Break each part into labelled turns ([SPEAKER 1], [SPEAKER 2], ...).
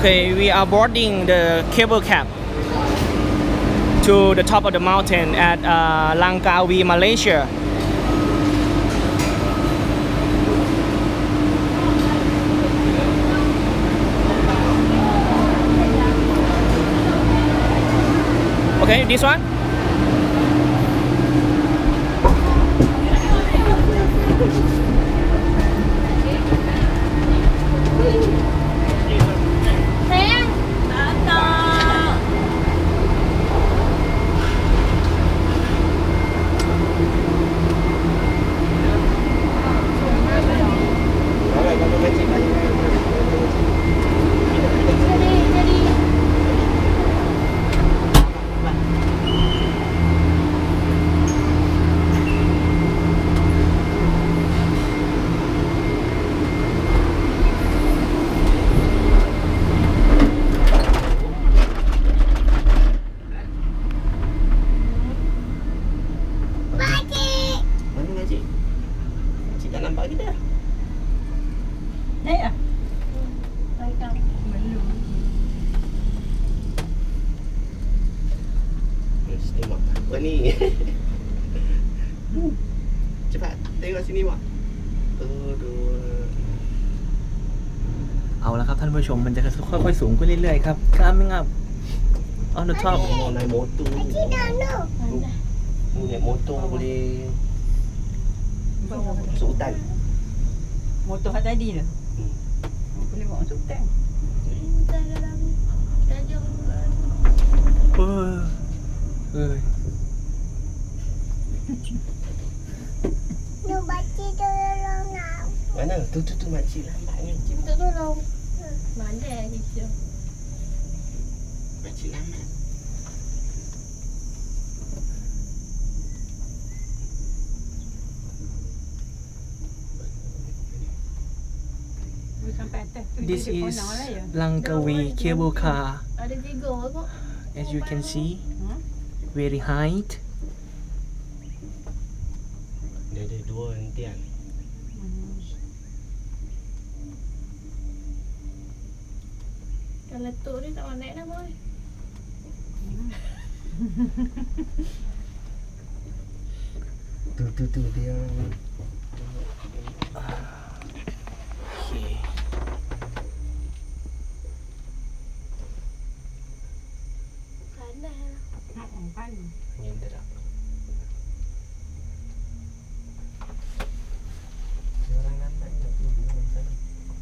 [SPEAKER 1] Okay, we are boarding the cable cab to the top of the mountain at Langkawi, Malaysia. Okay, this one.
[SPEAKER 2] Apa ni? Cepat, tengok sini mak. Aduh.
[SPEAKER 1] เอาละครับท่านผู้ชมมันจะค่อยๆสูงขึ้นเรื่อยๆครับ coming up on the top.
[SPEAKER 2] Mau naik motor. Naik motor boleh masuk hutan.
[SPEAKER 3] Motor hak tadi tu. Boleh bawa masuk hutan.
[SPEAKER 4] Makcik tolong nak.
[SPEAKER 2] Mana? Tu makcik lambatnya.
[SPEAKER 4] Makcik minta tolong. Mana dia?
[SPEAKER 2] Makcik lambat.
[SPEAKER 3] Sampai atas tu.
[SPEAKER 1] This is Langkawi cable car.
[SPEAKER 4] Ada 3 kok.
[SPEAKER 1] As you can see, very high.
[SPEAKER 2] Dia ada 2 hentian.
[SPEAKER 4] Kalau letup dia tak mau naik dah boy.
[SPEAKER 2] Tu dia.
[SPEAKER 1] Okay.
[SPEAKER 4] Panas lah.
[SPEAKER 3] Panas.
[SPEAKER 2] Angin terap. Orang lambat nak tunggu dalam sana.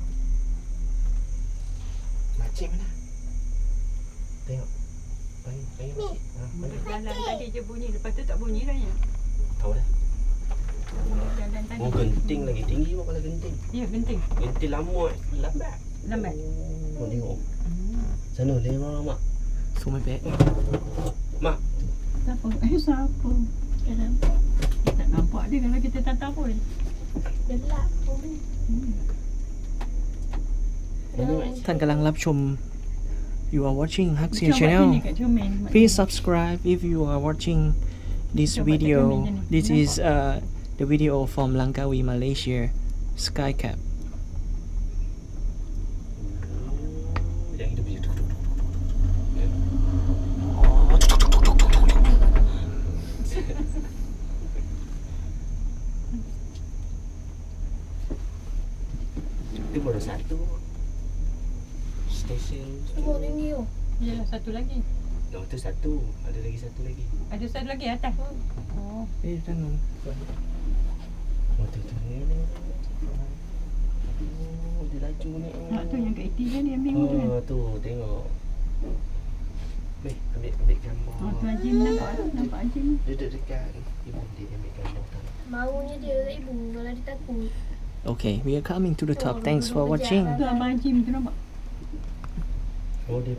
[SPEAKER 2] Makcik mana? Tengok. Panggil makcik.
[SPEAKER 3] Jalan tadi je bunyi, lepas tu tak bunyi dah ya.
[SPEAKER 2] Tahu dah.
[SPEAKER 3] Jalan tadi.
[SPEAKER 2] Oh, genting lagi. Tinggi pun kalau genting.
[SPEAKER 3] Ya, genting.
[SPEAKER 2] Genting lama lambat.
[SPEAKER 3] Lambat.
[SPEAKER 2] Oh, tengok. Sana tengok orang mak.
[SPEAKER 1] สูงไม่เป๊ะ
[SPEAKER 2] Mak.
[SPEAKER 3] Siapa? Siapa? Tak nampak dia kalau kita tak tahu pun.
[SPEAKER 4] Gelap pun.
[SPEAKER 1] ท่านกำลังรับชม You are watching Haxia
[SPEAKER 3] Cuba
[SPEAKER 1] Channel.
[SPEAKER 3] sini kat cermin.
[SPEAKER 1] Please subscribe if you are watching this video. This is the video from Langkawi, Malaysia, Skycap.
[SPEAKER 2] Yang hidup je. Itu baru satu. Stesen.
[SPEAKER 4] Semua tinggi tu.
[SPEAKER 3] Yalah, satu lagi.
[SPEAKER 2] Oh, tu satu. Ada lagi satu lagi.
[SPEAKER 3] Ada satu lagi atas. Oh.
[SPEAKER 1] Tangan.
[SPEAKER 2] Oh, tu. Oh, dia laju ni.
[SPEAKER 3] Tu yang kat ATM dia ambil tu kan.
[SPEAKER 2] Oh, tu tengok. Ambil gambar.
[SPEAKER 3] Oh, tu Ajim nampak tu. Nampak Ajim.
[SPEAKER 2] Duduk dekat ibu dia ambil gambar.
[SPEAKER 4] Maunya dia kat ibu kalau dia takut.
[SPEAKER 1] Okay, we are coming to the top. Thanks for watching.
[SPEAKER 3] Tu Abang Ajim tu nampak.
[SPEAKER 2] Oh, dia